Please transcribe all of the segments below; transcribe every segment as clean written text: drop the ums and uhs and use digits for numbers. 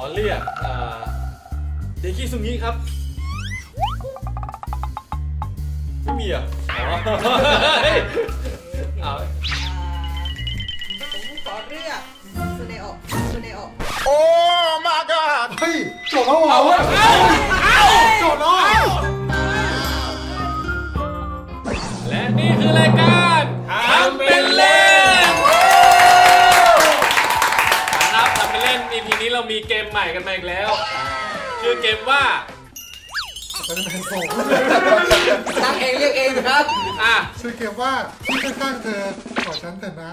เรียกเดคิซุงิครับไม่มีอ่ะเอาผมขอเลือกซูเนโอะซูเนโอะโอ้ my god เฮ้ยจบแล้วเหรอจบแล้วและนี่คือรายการทำเป็นเล่นครับทำเป็นเล่น EP นี้เรามีเกมใหม่กันมาอีกแล้วชื่อเกมว่าเป็นแมนโซ่ตั้งเองเรียกเองนะครับชื่อเกมว่าที่ข้างๆเธอขอฉันเถอะนะ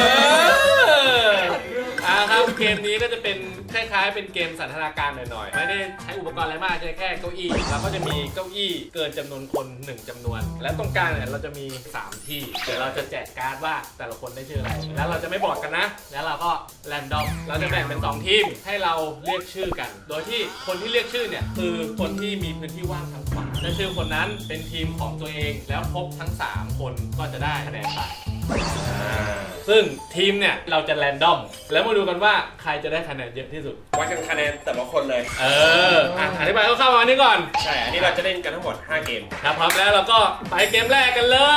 ครับเกมนี้ก็จะเป็นคล้ายๆเป็นเกมสันทนาการหน่อยๆไม่ได้ใช้อุปกรณ์อะไรมากแค่เก้าอี้แล้วก็จะมีเก้าอี้เกินจำนวนคน1จำนวนและตรงกลางเนี่ยเราจะมี3ที่เดี๋ยวเราจะแจกการ์ดว่าแต่ละคนได้ชื่ออะไรแล้วเราจะไม่บอกกันนะแล้วเราก็แรนดอมเราจะแบ่งเป็น2ทีมให้เราเรียกชื่อกันโดยที่คนที่เรียกชื่อเนี่ยคือคนที่มีพื้นที่ว่างทางขวาถ้าชื่อคนนั้นเป็นทีมของตัวเองแล้วครบทั้ง3คนก็จะได้คะแนนไปซึ่งทีมเนี่ยเราจะแรนดอมแล้วมาดูกันว่าใครจะได้คะแนนเยอะที่สุดวัดกันคะแนนแต่ละคนเลยอธิบายคร่าวๆมานี้ก่อนใช่อันนี้เราจะเล่นกันทั้งหมด5เกมครับพร้อมแล้วเราก็ไปเกมแรกกันเลย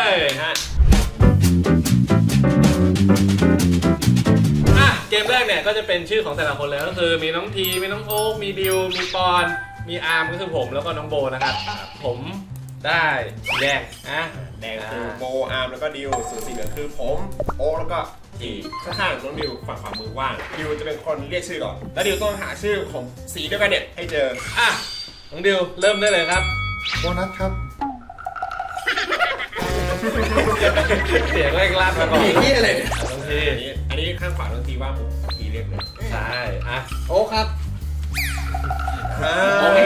เกมแรกเนี่ยก็จะเป็นชื่อของแต่ละคนเลยก็คือมีน้องทีมีน้องโอ๊คมีดิวมีปอนมีอาร์มก็คือผมแล้วก็น้องโบนะครับผมได้แดงแดงคือโบอาร์มแล้วก็ดิวส่วนสีเหลืองคือผมโอ๊คแล้วก็ทีข้างๆน้องดิวฝั่งขวามือว่างดิวจะเป็นคนเรียกชื่อก่อนแล้วดิวต้องหาชื่อของสีเดียวกันเนี่ยให้เจอน้องดิวเริ่มได้เลยครับโบนัสครับเสียงแรกลาดมาก่อนนี่อะไรเนี่ยน้องทีอันนี้ข้างขวาน้องทีว่างผมทีเรียกเลยใช่โอ้ครับโอเค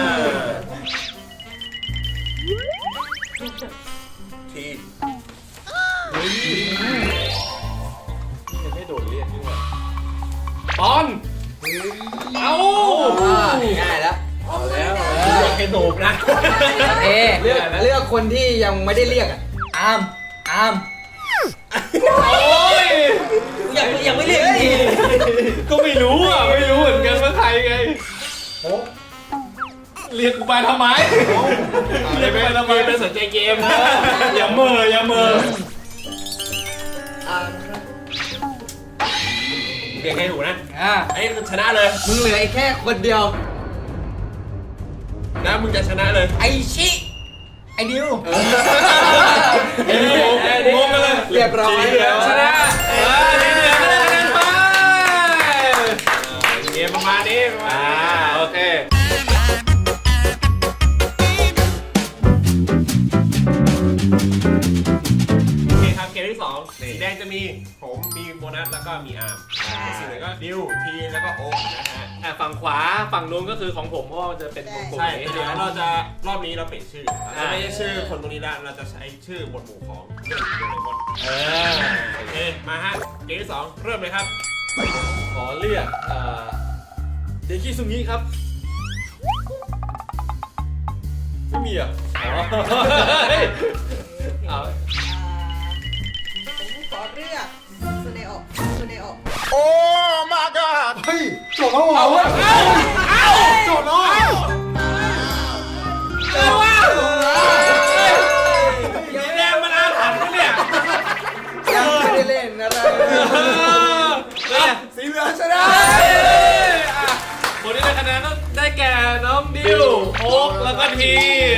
ทียังไม่โดนเรียกด้วยปอนเอาง่ายแล้วเอาแล้วให้โดบนะเลือกคนที่ยังไม่ได้เรียกอาร์มโอ้ยยังไม่เรียกทีก็ไม่รู้เหมือนกันว่าใครไงเรียกกูไปทำไมเรียกไปทำไมเป็นสนใจเกมนะอย่าเมอเรียกให้ถูกนะไอ้ชนะเลยมึงเหลือแค่คนเดียวนะมึงจะชนะเลยไอชิไอดิวงงกันเลยเรียบร้อยชนะนี่เหลือคะแนนไปเกมประมาณนี้โอเคครับเกมที่2สีแดงจะมีผมมีโบนัสแล้วก็มีอาร์มสีเหลืองก็ดิวทีแล้วก็โอ๊คนะฮะฝั่งขวาฝั่งนู้นก็คือของผมก็จะเป็นกลุ่มใช่เดี๋ยวเราจะรอบนี้เราเปลี่ยนชื่อเราไม่ใช่ชื่อคนตรงนี้แล้วเราจะใช้ชื่อหมวดหมู่ของโดเรมอนโอเคมาฮะเกมที่2เริ่มเลยครับขอเรียกเดคิซุงิครับไม่มีอ่ะผมขอเลือกซูเนโอะซูเนโอะโอ้ my god เฮ้ยจบแล้วเหรอจบแล้วสีแดงมันอาถรรพ์เนี่ยยังไม่ได้เล่นอะไรสีเหลืองชนะคนที่ได้คะแนนก็ได้แก่น้องดิวโอ๊คแล้วก็ที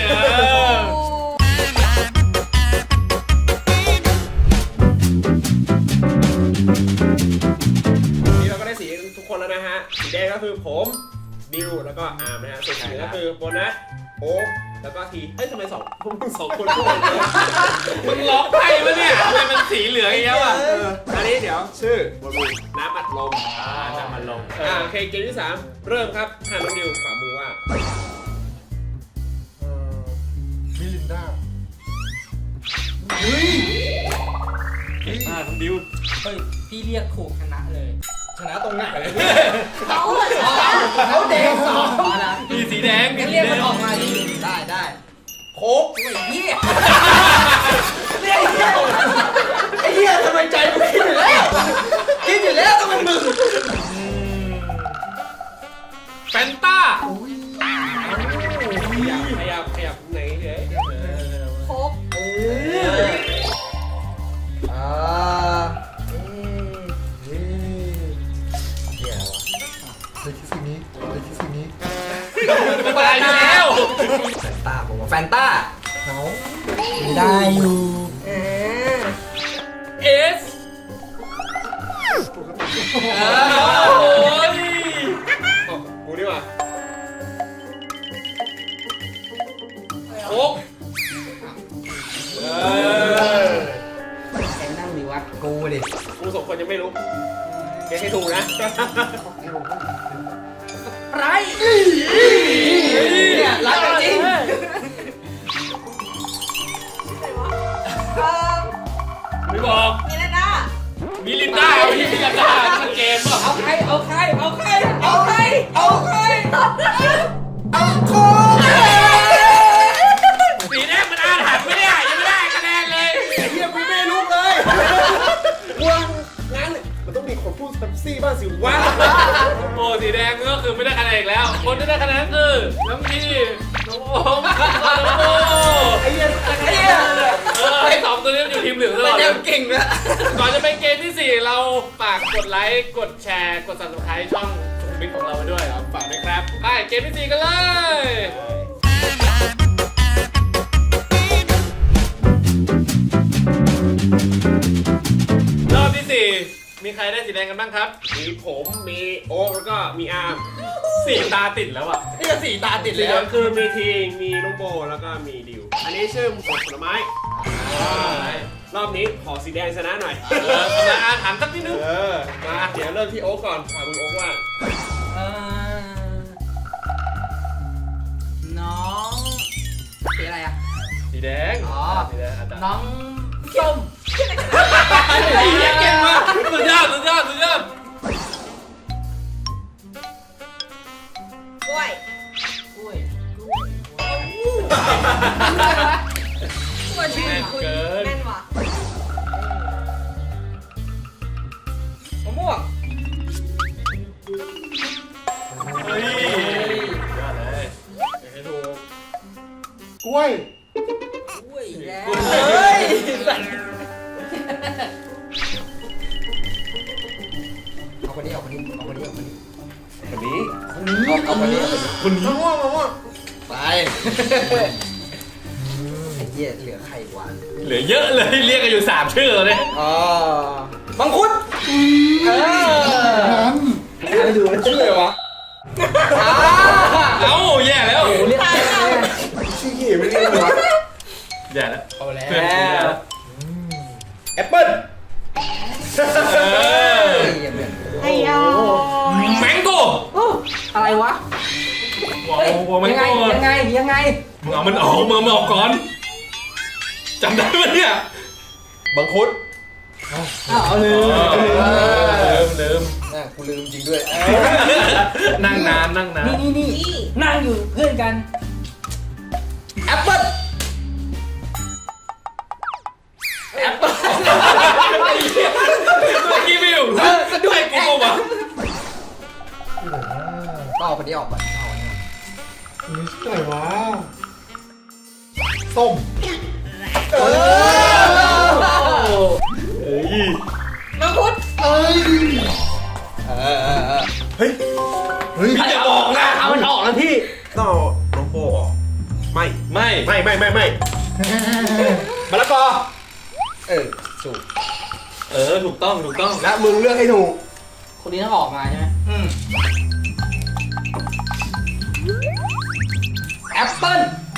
นี่เราก็ได้สีทุกคนแล้วนะฮะสีแดงก็คือผมดิวแล้วก็อาร์มนะฮะสีเหลืองก็คือโบนัสโอ๊คแล้วก็ทีทำไมพวกมึงสองคนพูดกันเลยมึงล็อกไพ่ปะเนี่ยทำไมมันสีเหลืองอย่างเงี้ยอันนี้เดี๋ยวชื่อบนมือน้ำอัดลมน้ำอัดลมโอเคเกมที่3เริ่มครับน้องดิวขวามือว่ามิลินดาน้องดิวพี่เรียกถูกชนะเลยชนะตรงไหนเขาแดง2นะมีสีแดงเรียกมันออกมาดิได้โค้กไอ้เหี้ยไอ้เหี้ยทำไมใจมึงคิดอยู่แล้วต้องเป็นมึงแฟนต้าขยับไหนเฮ้ยโคกอ่าเฮ้ยอะไรวะเลยคิดสิ่งนี้เลยคิดสิ่งนี้ตายแล้วแฟนต้าผมว่าแฟนต้าเขาได้อยู่เอสปกติโอ้ยกูดีกว่าโอ๊กใครนั่งดีวะกูดิกูสองคนยังไม่รู้เก็ตให้ถูกนะไรเนี่ยรักกันจริงไม่บอกมีแล้วนะมีลินด้าเอาที่มีลินด้าทั้งเกมป่ะเอาใครเอาใครเอาใครเอาใครเอาใครเอาโคสีแดงมันอาถรรพ์ไม่ได้ยังไม่ได้คะแนนเลยไอ้เหี้ยกูไม่รู้เลยกูงั้นมันต้องมีคนพูดแท็กซี่บ้างสิวะโอ้สีแดงก็คือไม่ได้คะแนนอีกแล้ว คนที่ได้คะแนนคือน้องพีน้องโอมน้องโอไอ้เหี้ยไอ้เหี้ยไอ้สองตัวนี้มันอยู่ทีมเหลืองตลมันอดเลยัยงเก่งนะก่อนจะไปเกมที่ 4 เราฝากกดไลค์ กดแชร์ กด subscribe ช่องสุขุมวิทของเราไว้ด้วยครับฝากด้วยครับ ไปเกมที่ 4 กันเลย รอบที่ 4 มีใครได้สีแดงกันบ้างครับมีผมมีโอ๊คแล้วก็มีอาร์ม 4 ตาติดแล้วอ่ะนี่ก็สี่ตาติดสีเลยเหลืองคือมีทีงมีน้องโบแล้วก็มีดิว อันนี้ชื่อหมวดผลไม้ รอบนี้ขอสีแดงชนะหน่อยทำลายอาถรรพ์สักนิดนึงมาเดี๋ยวเริ่มที่โอ๊คก่อนถามมึงโอ๊คว่าน้องสีอะไรอ่ะสีแดงอ๋อสีแดงอาจารย์น้องส้มไอ้เหี้ยเก่งมากสุดยอดสุดยอดสุดยอดกล้วยกล้วยกล้วยชื่อคุณแม่นว่ะมะม่วงเฮ้ยยอดเลยให้ถูกกล้วยกล้วยแล้วเฮ้เฮ้ย เอาคนนี้เอาคนนี้เอาคนนี้เอาคนนี้คนนี้เอาคนนี้คนนี้มะม่วงมะม่วงไปไอ้เหี้ยเหลือใครวะเหลือเยอะเลยเรียกกันอยู่ 3 ชื่อเลยอ๋อมังคุดเออนั้นไม่ดูแล้วชื่ออะไรวะเอ้าแย่แล้วเรียกชื่อเหี้ยไม่ได้เลยวะแย่แล้วเอาแล้วเพื่อนกูแย่แล้วแอปเปิ้ลเออไอ้ยอแมงโก้อะไรวะว้าวแมงยังไงโก้ยังไงยังไงมึงเอามันออกมึงเอาก่อนจำได้ไหมเนี่ยบังคุดเอาลืมลืมน่ะกูลืมจริงด้วยนั่งนานนั่งนานนี่นี่นั่งอยู่เพื่อนกันแอปเปิ้ลแอปเปิ้ลเมื่อกี้ไม่อยู่ด้วยกูบอกว่าที่ไหนวะก็เอาคนนี้ออกก่อนเอาเนี่ยอันนี้ชื่ออะไรวะส้มเฮ้ยมังคุดเอ้ยเฮ้ยเฮ้ยพี่จะบอกนะเอามันออกแล้วพี่ต้องเอาน้องโบออกไม่ไม่มะละกอถูกถูกต้องถูกต้องและมึงเลือกให้ถูกคนนี้ต้องออกมาใช่ไหมแอปเปิ้ล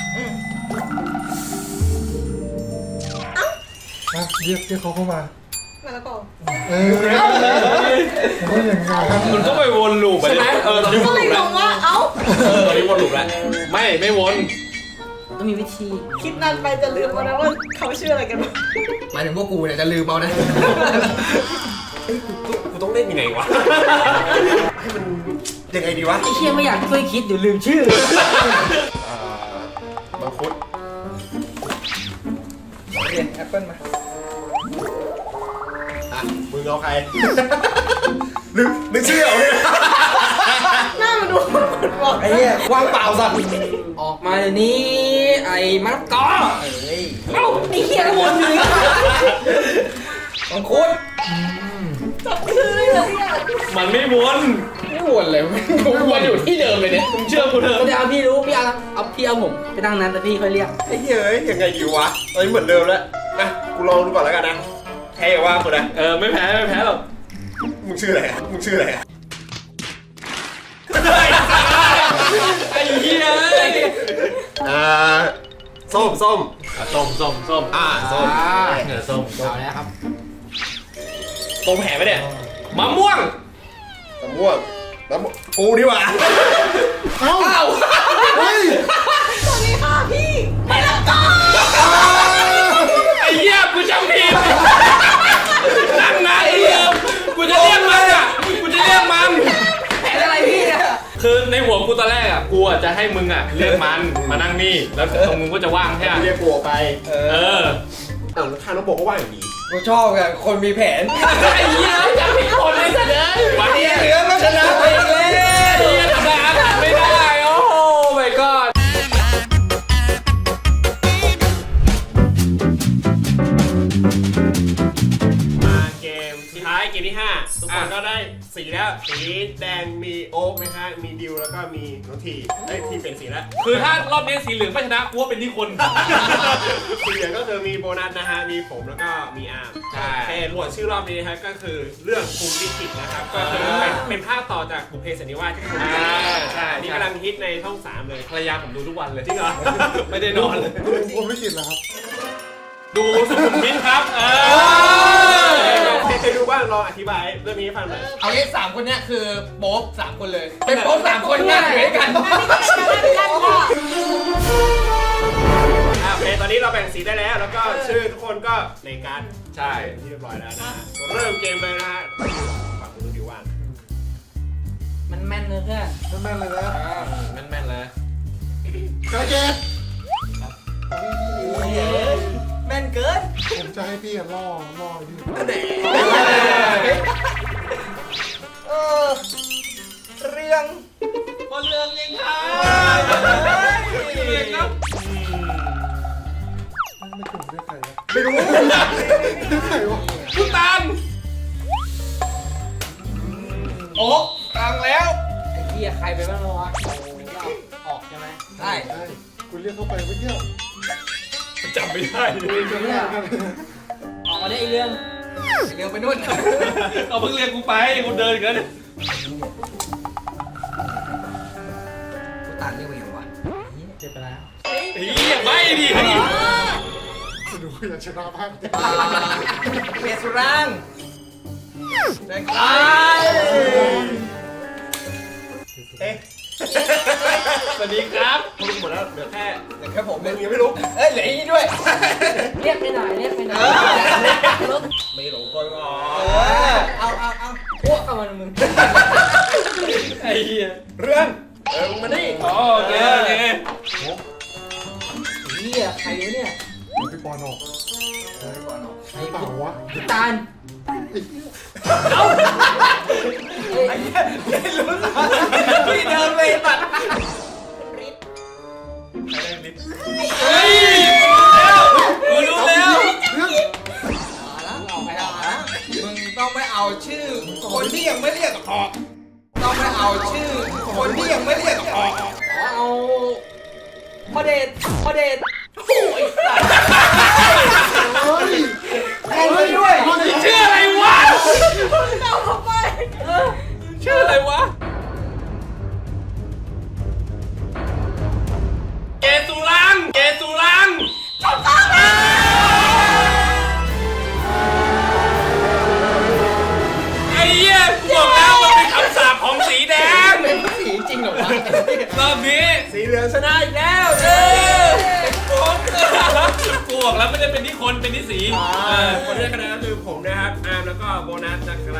อ่ะเรียกเขาเข้ามามะละกอเออผมว่าอย่างนั้นมันก็ไปวนลูปไปใช่ไหมตอนนี้วก็นเลลูยปงแล้วงว่าเอ้าตอนนี้วนลูปแล้วไม่วนต้องมีวิธีคิดนานไปจะลืมแล้วนะว่าเขาชื่ออะไรกันบ้างหมายถึงพวกกูเนี่ยจะลืมเอานะกูต้องเล่นยังไงวะ ให้มันยังไงดีวะไอ้เชี่ยไม่อยากช่วยคิดเดี๋ยวลืมชื่อบังคุดเรียนแอปเปิ้ลมาอ่ะมึงเอาใคร นึกชื่อเอาเนี่ยหน้ามันดูอ้เนี่ยว่างเปล่าสัตว์ออกมาเดี๋ยวนี้ไอ้มะละกอเอ้ยเอ้าไอ้เหี้ยวนอยู่นี่มังคุดจับชื่อเลยเหรอเนี่ยมันไม่วนไม่วนเลยวนอยู่ที่เดิมเลยเนี่ยมึงเชื่อกูเถอะเดี๋ยวพี่รู้พี่เอาผมไปนั่งนั้นแต่พี่ค่อยเรียกไอ้เหี้ยเอ้ยยังไงดีวะตอนนี้เหมือนเดิมแล้วนะกูลองดูก่อนแล้วกันนะแพ้ว่ากูนะไม่แพ้หรอกมึงชื่ออะไรอะมึงชื่ออะไรอะไอ้เหี้ยส้มส้ม ส้มส้มส้มเอาแล้วครับตรงแผลไหมเนี่ยมะม่วงมะม่วงกูดีกว่าเอ้าเฮ้ยสวัสดีค่ะพี่ไม่ละกอไอ้เหี้ยกูจำผิดนั่งนะไอ้เหี้ยกูจะเรียกมันแผนอะไรพี่เนี่ยคือในหัวกูตอนแรกอ่ะกูอ่ะจะให้มึงอ่ะเรียกมันมานั่งนี่แล้วตรงมึงก็จะว่างแค่เรียกกูออกไปแล้วทางน้องโบก็ว่าอย่างนี้กูชอบอะคนมีแผนไอ้เหี้ยจำผิดคนเลยสัตว์เลยวันนี้เหลือก็ชนะไปเลยไอ้เหี้ยทำลายอาถรรพ์ไม่ได้โอ้โห my god มาเกมสุดท้ายเกมที่ 5 ทุกคนก็ได้สีแล้วสีแดงมีโอ๊กไหมฮะมีดิวแล้วก็มีน้องทีทีเป็นสีแล้วคือถ้ารอบนี้สีเหลืองไม่ชนะกูว่าเป็นที่คนสีเหลืองก็คือมีโบนัสนะฮะมีผมแล้วก็มีอาร์มใช่เพจหมวดชื่อรอบนี้นะฮะก็คือเรื่องภูมิลิขิตนะครับก็คือเป็นภาคต่อจากบุพเพสันนิวาสที่คุณใช่นี่กำลังฮิตในช่อง 3 เลยภรรยาผมดูทุกวันเลยจริงเหรอไม่ได้นอนเลยผมไม่คิดแล้วครับดูสุขุมวิทครับเคยดูบ้างลองอธิบายเรื่องนี้ให้ฟังหน่อยเอางี้3คนเนี้ยคือโป๊ป3คนเลย เป็นโป๊ป3คนง่ายอยู่ด้วยกันโอเคตอนนี้เราแบ่งสีได้แล้ว แล้วก็ชื่อทุกคนก็ในการใช่ที่เรียบร้อยแล้วนะฮะเริ่มเกมเลยนะฮะฝั่งคุณดิวว่างมันแม่นเลยเพื่อนแม่นๆเลยนะแม่นๆเลยกระเกตแม่นเกินผมจะให้พี่ล่ออยู่เรื่องคนเรื่องยังครับไม่ถูกเรียกใครวะไม่รู้เรียกใครวะทุกตันโอ๊กกลางแล้วไอ้เหี้ยใครไปบ้างวะออกใช่ไหมใช่ใช่คุณเรียกเข้าไปเมื่อกี้จำไม่ได้ออกมาได้ไอ้เรื่องไปนู่นเอาเพิ่งเรียกกูไปกูเดินอีกแล้วเนี่ยกูตัดเรียกว่าอย่างวะเจ็บไปแล้วเฮียไม่ดิดูอยากชนะมากเปียสุรังเด็กตายเอ๊ะสวัสดีครับรู้หมดแล้วเหลือแค่แต่แค่ผมมึเนี่ยงยังไม่รู้เอ้ยเหลืออีกด้วยเรียกไปหน่อยไม่หลงกลอ๋อเอาพวกกับมันมึงไอ้เหี้ยเรื่องมึงมาดิอ๋อโอเคโอเคเหี้ยใครวะเนี่ยพี่ปอนออกใครเปล่าวะตาลไอ้เหี้ยเล่นรู้สึกพี่เดินเลยตัดเฮ้ยกูรู้แล้วเรื่องเอาไปเอานะมึงต้องไม่เอาชื่อ คนที่ยังไม่เรียกออกต้องไม่เอาชื่อ คนที่ยังไม่เรียกออกเอาพ่อเดชโอ้ยสัตว์เฮ้ยเอาเลยด้วยชื่ออะไรวะเอาเข้าไปชื่ออะไรวะ เกตุลังไอ้เหี้ยกูบอกแล้วมันเป็นคำสาปของสีแดงเป็นสีจริงเหรอวะรอบนี้สีเหลืองชนะอีกแล้วกูบอกแล้วไม่ได้เป็นที่คนเป็นที่สีเออคนที่ได้คะแนนก็คือผมนะครับอาร์มแล้วก็โบนัสนะครับ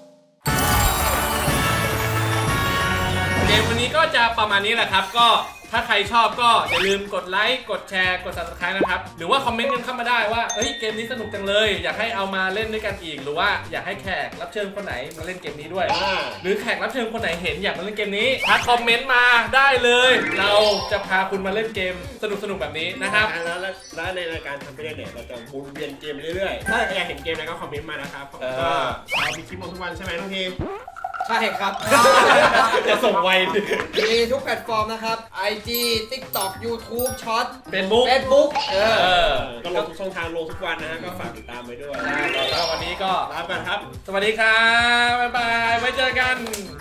เกมวันนี้ก็จะประมาณนี้แหละครับ ก็ถ้าใครชอบก็อย่าลืมกดไลค์กดแชร์กด subscribe นะครับหรือว่าคอมเมนต์กันเข้ามาได้ว่าเฮ้ยเกมนี้สนุกจังเลยอยากให้เอามาเล่นด้วยกันอีกหรือว่าอยากให้แขกรับเชิญคนไหนมาเล่นเกมนี้ด้วยหรือแขกรับเชิญคนไหนเห็นอยากมาเล่นเกมนี้ทักคอมเมนต์มาได้เลยเราจะพาคุณมาเล่นเกมสนุกแบบนี้นะครับแล้วในรายการทำไปเนี่ยเราจะวนเวียนเกมเรื่อยๆถ้าอยากเห็นเกมอะไรก็คอมเมนต์มานะครับก็เรามีคลิปลงทุกวันใช่ไหมน้องทีมใช่ครับจะส่งไวมีทุกแพลตฟอร์มนะครับ IG TikTok YouTube Short Facebook Facebook ก็ลงทุกช่องทางลงทุกวันนะฮะก็ฝากติดตามไปด้วยแล้ววันนี้ก็ลาไปก่อนครับสวัสดีครับบ๊ายบายไว้เจอกัน